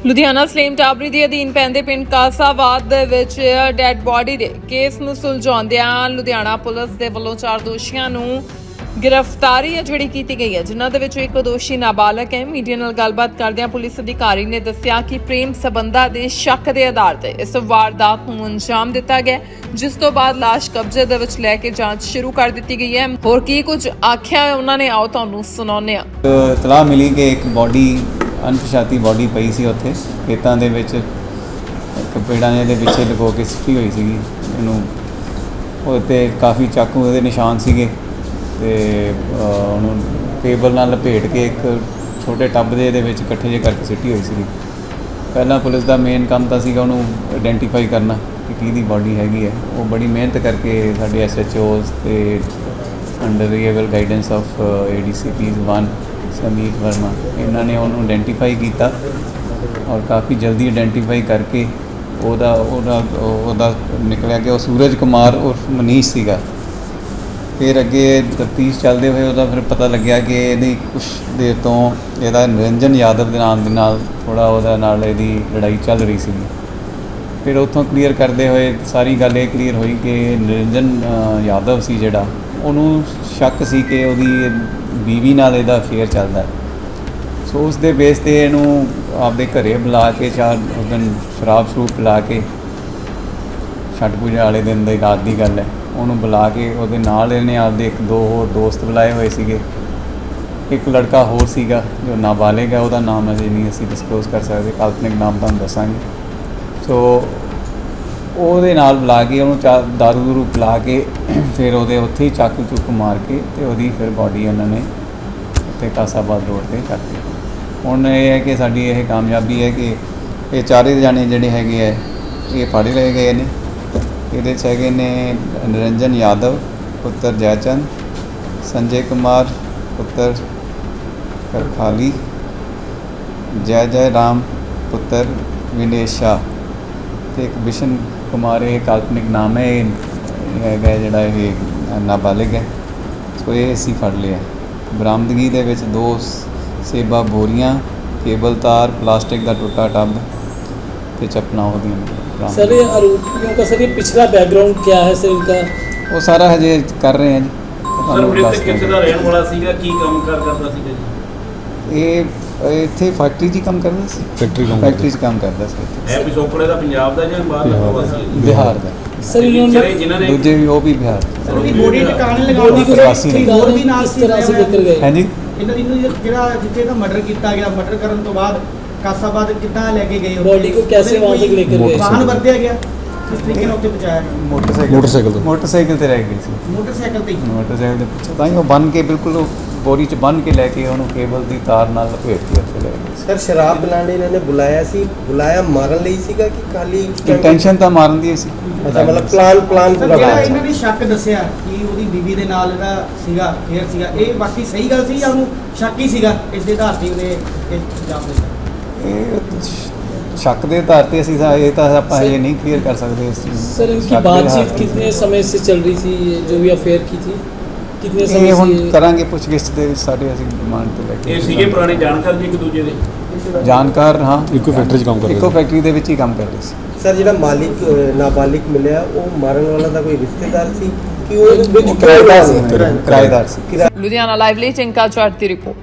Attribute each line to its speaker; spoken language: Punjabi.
Speaker 1: ਲੁਧਿਆਣਾ ਸਲੇਮ ਟਾਬਰੀ ਦੇ ਅਧੀਨ ਪੈਂਦੇ ਪਿੰਡ ਕਾਸਾਬਾਦ ਦੇ ਵਿੱਚ ਡੈੱਡ ਬੋਡੀ ਦੇ ਕੇਸ ਨੂੰ ਸੁਲਝਾਉਂਦਿਆਂ ਲੁਧਿਆਣਾ ਪੁਲਿਸ ਦੇ ਵੱਲੋਂ 4 ਦੋਸ਼ੀਆਂ ਨੂੰ ਗ੍ਰਿਫਤਾਰੀ ਜਿਹੜੀ ਕੀਤੀ ਗਈ ਹੈ, ਜਿਨ੍ਹਾਂ ਦੇ ਵਿੱਚੋਂ ਇੱਕ ਦੋਸ਼ੀ ਨਾਬਾਲਗ ਹੈ। ਮੀਡੀਆ ਨਾਲ ਗੱਲਬਾਤ ਕਰਦਿਆਂ ਪੁਲਿਸ ਅਧਿਕਾਰੀ ਨੇ ਦੱਸਿਆ ਕਿ ਪ੍ਰੇਮ ਸਬੰਧਾਂ ਦੇ ਸ਼ੱਕ ਦੇ ਆਧਾਰ ਤੇ ਇਸ ਵਾਰਦਾਤ ਨੂੰ ਅੰਜਾਮ ਦਿੱਤਾ ਗਿਆ, ਜਿਸ ਤੋਂ ਬਾਅਦ ਲਾਸ਼ ਕਬਜ਼ੇ ਦੇ ਵਿੱਚ ਲੈ ਕੇ ਜਾਂਚ ਸ਼ੁਰੂ ਕਰ ਦਿੱਤੀ ਗਈ ਹੈ। ਹੋਰ ਕੀ ਕੁਝ ਆਖਿਆ ਹੈ ਉਹਨਾਂ ਨੇ, ਆਓ ਤੁਹਾਨੂੰ ਸੁਣਾਉਂਦੇ ਹਾਂ।
Speaker 2: ਇਤਲਾਹ ਮਿਲੀ ਕਿ ਇੱਕ ਬੋਡੀ ਅਣਪਛਾਤੀ ਬੋਡੀ ਪਈ ਸੀ ਉੱਥੇ ਖੇਤਾਂ ਦੇ ਵਿੱਚ, ਇੱਕ ਪੇੜਾਂ ਦੇ ਪਿੱਛੇ ਲੁਕੋ ਕੇ ਸਿੱਟੀ ਹੋਈ ਸੀਗੀ। ਇਹਨੂੰ ਉਹਤੇ ਕਾਫੀ ਚਾਕੂ ਉਹਦੇ ਨਿਸ਼ਾਨ ਸੀਗੇ ਤੇ ਉਹਨੂੰ ਟੇਬਲ ਨਾਲ ਲਪੇਟ ਕੇ ਇੱਕ ਛੋਟੇ ਟੱਬ ਦੇ ਵਿੱਚ ਇਕੱਠੇ ਜਿਹੇ ਕਰਕੇ ਸਿੱਟੀ ਹੋਈ ਸੀਗੀ। ਪਹਿਲਾਂ ਪੁਲਿਸ ਦਾ ਮੇਨ ਕੰਮ ਤਾਂ ਸੀਗਾ ਉਹਨੂੰ ਆਇਡੈਂਟੀਫਾਈ ਕਰਨਾ ਕਿ ਕਿਹਦੀ ਬੋਡੀ ਹੈਗੀ ਹੈ। ਉਹ ਬੜੀ ਮਿਹਨਤ ਕਰਕੇ ਸਾਡੇ SHOs ਤੇ under reliable guidance of ADCPs 1 Sameer Verma, ਇਹਨਾਂ ਨੇ ਉਹਨੂੰ ਆਇਡੈਂਟੀਫਾਈ ਕੀਤਾ ਔਰ ਕਾਫੀ ਜਲਦੀ ਆਇਡੈਂਟੀਫਾਈ ਕਰਕੇ ਉਹਦਾ ਨਿਕਲਿਆ ਕਿ ਉਹ ਸੂਰਜ ਕੁਮਾਰ ਉਰਫ ਮਨੀਸ਼ ਸੀਗਾ। ਫਿਰ ਅੱਗੇ ਤਫਤੀਸ਼ ਚੱਲਦੇ ਹੋਏ ਉਹਦਾ ਫਿਰ ਪਤਾ ਲੱਗਿਆ ਕਿ ਇਹਦੀ ਕੁਛ ਦੇਰ ਤੋਂ ਇਹਦਾ ਨਿਰੰਜਨ ਯਾਦਵ ਦੇ ਨਾਮ ਦੇ ਨਾਲ ਥੋੜ੍ਹਾ ਉਹਦਾ ਨਾਲ ਇਹਦੀ ਲੜਾਈ ਚੱਲ ਰਹੀ ਸੀਗੀ। ਫਿਰ ਉੱਥੋਂ ਕਲੀਅਰ ਕਰਦੇ ਹੋਏ ਸਾਰੀ ਗੱਲ ਇਹ ਕਲੀਅਰ ਹੋਈ ਕਿ ਨਿਰੰਜਨ ਯਾਦਵ ਸੀ ਜਿਹੜਾ, ਉਹਨੂੰ ਸ਼ੱਕ ਸੀ ਕਿ ਉਹਦੀ ਬੀਵੀ ਨਾਲ ਇਹਦਾ ਅਫੇਅਰ ਚੱਲਦਾ। ਸੋ ਉਸ ਦੇ ਬੇਸ 'ਤੇ ਇਹਨੂੰ ਆਪਦੇ ਘਰੇ ਬੁਲਾ ਕੇ ਉਸ ਦਿਨ ਸ਼ਰਾਬ ਪਿਲਾ ਕੇ, ਛੱਠ ਪੂਜਾ ਵਾਲੇ ਦਿਨ ਦੀ ਰਾਤ ਦੀ ਗੱਲ ਹੈ, ਉਹਨੂੰ ਬੁਲਾ ਕੇ ਉਹਦੇ ਨਾਲ ਇਹਨੇ ਆਪਦੇ 1-2 ਹੋਰ ਦੋਸਤ ਬੁਲਾਏ ਹੋਏ ਸੀਗੇ। ਇੱਕ ਲੜਕਾ ਹੋਰ ਸੀਗਾ ਜੋ ਨਾਬਾਲਿਗ ਹੈ, ਉਹਦਾ ਨਾਮ ਅਜੇ ਨਹੀਂ ਅਸੀਂ ਡਿਸਕਲੋਜ਼ ਕਰ ਸਕਦੇ, ਕਾਲਪਨਿਕ ਨਾਮ ਤੁਹਾਨੂੰ ਦੱਸਾਂਗੇ। ਸੋ ਉਹਦੇ ਨਾਲ ਬੁਲਾ ਕੇ ਉਹਨੂੰ ਦਾਰੂ ਦੂਰੂ ਪਿਲਾ ਕੇ ਫਿਰ ਉਹਦੇ ਉੱਥੇ ਹੀ ਚਾਕੂ ਮਾਰ ਕੇ ਤੇ ਉਹਦੀ ਫਿਰ ਬੋਡੀ ਉਹਨਾਂ ਨੇ ਉੱਥੇ ਕਾਸਾਬਾਦ ਰੋਡ 'ਤੇ ਕਰਤੀ। ਹੁਣ ਇਹ ਹੈ ਕਿ ਸਾਡੀ ਇਹ ਕਾਮਯਾਬੀ ਹੈ ਕਿ ਇਹ 4 ਜਾਣੇ ਜਿਹੜੇ ਹੈਗੇ ਹੈ ਇਹ ਫੜ ਲਏ ਗਏ ਨੇ। ਇਹਦੇ 'ਚ ਹੈਗੇ ਨੇ ਨਿਰੰਜਨ ਯਾਦਵ ਪੁੱਤਰ ਜੈਚੰਦ, ਸੰਜੇ ਕੁਮਾਰ ਪੁੱਤਰ ਕਰਖਾਲੀ, ਜੈ ਰਾਮ ਪੁੱਤਰ ਵਿਨੇਸ਼ ਸ਼ਾਹ ਤੇ ਇੱਕ ਬਿਸ਼ਨ ਕੁਮਾਰ, ਇਹ ਕਾਲਪਨਿਕ ਨਾਮ ਹੈ। ਇਹ ਹੈਗਾ ਜਿਹੜਾ ਇਹ ਨਾਬਾਲਿਗ ਹੈ। ਸੋ ਇਹ ਅਸੀਂ ਫੜ ਲਿਆ। ਬਰਾਮਦਗੀ ਦੇ ਵਿੱਚ 2 ਸੇਬਾ ਬੋਰੀਆਂ, ਕੇਬਲ ਤਾਰ, प्लास्टिक का टूटा टब ਤੇ ਚੱਪਲਾਂ ਉਹਦੀਆਂ।
Speaker 3: सर ये आरोपियों का सर ये पिछला बैकग्राउंड क्या है सर इनका?
Speaker 2: ਉਹ ਸਾਰਾ ਹਜੇ ਕਰ ਰਹੇ ਹਾਂ ਜੀ।
Speaker 4: ਸਰ ਮ੍ਰਿਤਕ ਕਿੱਥੇ ਦਾ ਰਹਿਣ ਵਾਲਾ ਸੀਗਾ, ਕੀ ਕੰਮ ਕਰਦਾ ਸੀਗਾ ਜੀ?
Speaker 2: ਇਹ ਇੱਥੇ ਫੈਕਟਰੀ 'ਚ ਕੰਮ ਕਰਦਾ ਸੀ। ਫੈਕਟਰੀ 'ਚ ਕੰਮ ਕਰਦਾ ਸੀ।
Speaker 4: ਇਹ ਪਿਛੋਕੜੇ ਦਾ ਪੰਜਾਬ ਦਾ ਜਾਂ ਬਾਹਰ ਦਾ ਪ੍ਰਵਾਸੀ ਹੈ ਜੀ?
Speaker 2: ਬਿਹਾਰ ਦਾ।
Speaker 3: सर इन्होंने
Speaker 4: ਜਿਨ੍ਹਾਂ ਨੇ
Speaker 2: ਦੂਜੇ ਵੀ ਉਹ ਵੀ ਬਿਹਾਰ
Speaker 5: ਸਰ ਉਹਦੀ ਬੋਡੀ ਟਿਕਾਣੇ ਲਗਾਉਣ
Speaker 3: बॉडी को
Speaker 2: प्रवासी ने।
Speaker 5: ਹੋਰ ਵੀ ਨਾਲ
Speaker 3: किस तरह से लेकर गए?
Speaker 2: ਹੈ ਜੀ।
Speaker 5: ਇਹਨਾਂ ਦੀ ਜਿਹੜਾ ਜਿੱਥੇ ਦਾ ਮਰਡਰ ਕੀਤਾ ਗਿਆ, ਮਰਡਰ ਕਰਨ ਤੋਂ ਬਾਅਦ ਕਾਸਾਬਾਦ ਕਿੱਦਾਂ ਲੈ ਕੇ ਗਏ?
Speaker 3: बॉडी को कैसे वहाँ तक लेकर गए?
Speaker 5: ਵਾਹਨ ਵਰਤਿਆ ਗਿਆ, ਕਿਸ ਤਰੀਕੇ ਨਾਲ ਉੱਥੇ ਪਹੁੰਚਾਇਆ ਗਿਆ?
Speaker 2: ਮੋਟਰਸਾਈਕਲ ਤੇ ਰਹਿ ਗਈ ਸੀ।
Speaker 5: ਮੋਟਰਸਾਈਕਲ ਤੇ ਹੀ।
Speaker 2: ਮੋਟਰਸਾਈਕਲ ਦੇ ਪਿੱਛੇ ਤਾਂ ਹੀ ਉਹ ਬੰਨ੍ਹ ਕੇ ਬਿਲਕੁਲ ਉਹ ਬੋਰੀ 'ਚ ਬੰਨ੍ਹ ਕੇ ਲੈ ਕੇ ਉਹਨੂੰ ਕੇਬਲ ਦੀ ਤਾਰ ਨਾਲ ਲਪੇਟ ਕੇ ਉੱਥੇ ਲੈ ਗਏ।
Speaker 6: ਸਰ ਸ਼ਰਾਬ ਬਣਾਉਣ ਲਈ ਇਹਨਾਂ ਨੇ ਬੁਲਾਇਆ ਮਾਰਨ ਲਈ ਸੀਗਾ ਕਿ ਖਾਲੀ
Speaker 2: ਇੰਟੈਂਸ਼ਨ ਤਾਂ ਮਾਰਨ ਦੀ ਸੀ।
Speaker 6: ਅੱਛਾ, ਮਤਲਬ ਪਲਾਨ
Speaker 5: ਸਰ
Speaker 6: ਪੂਰਾ
Speaker 5: ਜਿਹੜਾ
Speaker 6: ਬਣਾਇਆ।
Speaker 5: ਇਹਨਾਂ ਨੇ ਸ਼ੱਕ ਦੱਸਿਆ ਕਿ ਉਹਦੀ ਬੀਵੀ ਦੇ ਨਾਲ ਇਹਦਾ ਸੀਗਾ ਫੇਰ ਸੀਗਾ, ਇਹ ਬਾਕੀ ਸਹੀ ਗੱਲ ਸੀ ਜਾਂ ਉਹਨੂੰ ਸ਼ੱਕ ਹੀ ਸੀਗਾ? ਇਸ ਦੇ ਆਧਾਰ ਤੇ ਉਹਨੇ ਇਹ ਇਲਜ਼ਾਮ ਦਿੱਤਾ।
Speaker 2: ਇਹ ਸ਼ੱਕ ਦੇ ਆਧਾਰ ਤੇ ਅਸੀਂ ਇਹ ਤਾਂ ਆਪਾਂ ਇਹ ਨਹੀਂ ਕਲੀਅਰ ਕਰ ਸਕਦੇ ਇਸ ਚੀਜ਼ ਨੂੰ।
Speaker 3: सर इनकी
Speaker 2: शक के आधार
Speaker 3: बातचीत
Speaker 2: पे।
Speaker 3: कितने समय से चल रही थी, ये जो भी अफेयर की थी कितने समय
Speaker 2: ਇਹ ਹੁਣ
Speaker 3: से?
Speaker 2: ਕਰਾਂਗੇ ਪੁੱਛਗਿੱਛ ਦੇ ਵਿੱਚ ਸਾਡੇ ਅਸੀਂ ਡਿਮਾਂਡ ਤੇ ਲੈ
Speaker 4: ਇਹ
Speaker 2: ਕੇ
Speaker 4: ਸੀਗੇ ਪੁਰਾਣੇ ਜਾਣਕਾਰ ਜੀ ਇੱਕ ਦੂਜੇ ਦੇ?
Speaker 2: ਜਾਣਕਾਰ। ਹਾਂ,
Speaker 7: ਇੱਕੋ ਫੈਕਟਰੀ 'ਚ ਕੰਮ ਕਰਦੇ
Speaker 2: ਇੱਕੋ ਫੈਕਟਰੀ ਦੇ ਵਿੱਚ ਹੀ ਕੰਮ ਕਰਦੇ ਸੀ।
Speaker 6: ਸਰ ਜਿਹੜਾ ਮਾਲਿਕ ਨਾਬਾਲਿਗ ਮਿਲਿਆ ਉਹ ਮਾਰਨ ਵਾਲਾ ਦਾ ਕੋਈ ਰਿਸ਼ਤੇਦਾਰ ਸੀ ਕਿ ਉਹ ਵਿੱਚ
Speaker 2: ਕਿਰਾਏਦਾਰ ਸੀ।
Speaker 1: ਲੁਧਿਆਣਾ ਲਾਈਵ ਲਈ ਟਿੰਕਾ ਚਾਟ ਦੀ ਰਿਪੋਰਟ।